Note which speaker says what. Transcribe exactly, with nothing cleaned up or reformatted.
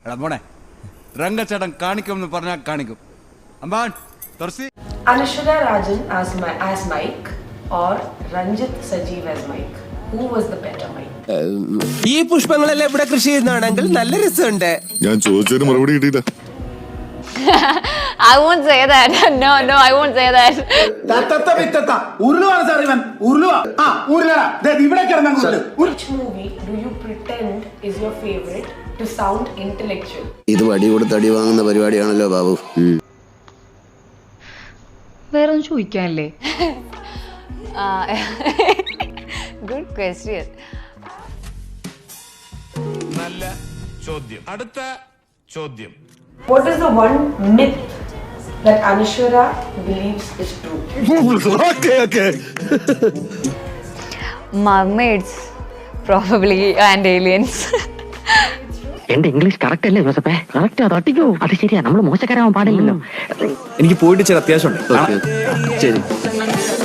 Speaker 1: എടാ മോനെ രംഗച്ചേട്ടൻ കാണിക്കുമെന്ന് പറഞ്ഞാൽ കാണിക്കും. അമ്പാൻ തുറസി.
Speaker 2: Anashwara Rajan as my as Mike or Ranjit Sajeev as Mike. Who was the better Mike?
Speaker 3: ഈ പുഷ്പങ്ങളെല്ലാം ഇവിടെ കൃഷി ചെയ്യുന്നതാണെങ്കിൽ നല്ല രസമുണ്ട്.
Speaker 4: ഞാൻ ചോദിച്ചതിന് മറുപടി കിട്ടിയില്ല.
Speaker 5: I won't say that. No, no, I won't say that.
Speaker 6: തത്തത്ത വിത്തത്ത ഉരുളുവാണ് സാർ ഇവൻ. ഉരുളുവാ. ആ ഉരുളടാ. ദേ ഇവിടെ കിടന്നു.
Speaker 2: Which movie do you pretend is your favorite to sound intellectual?
Speaker 7: ഇത് വടി കൊടുത്ത് അടി വാങ്ങുന്ന പരിപാടിയാണല്ലോ ബാബു.
Speaker 5: വേറൊന്നും ചോദിക്കാനല്ലേ? Good question.
Speaker 8: നല്ല ചോദ്യം. അടുത്ത ചോദ്യം.
Speaker 2: What is the one myth that Anashwara believes is true?
Speaker 4: Okay, okay.
Speaker 5: Mermaids, probably, and aliens.
Speaker 9: എന്റെ ഇംഗ്ലീഷ് കറക്റ്റ് അല്ലേ ജോസഫേ? കറക്റ്റ് അത് ഒട്ടിക്കോ. അത് ശരിയാ, നമ്മൾ മോശക്കാരാവാൻ പാടില്ലല്ലോ.
Speaker 3: എനിക്ക് പോയിട്ട് ചില അത്യാവശ്യം ഉണ്ട്.
Speaker 7: ശരി.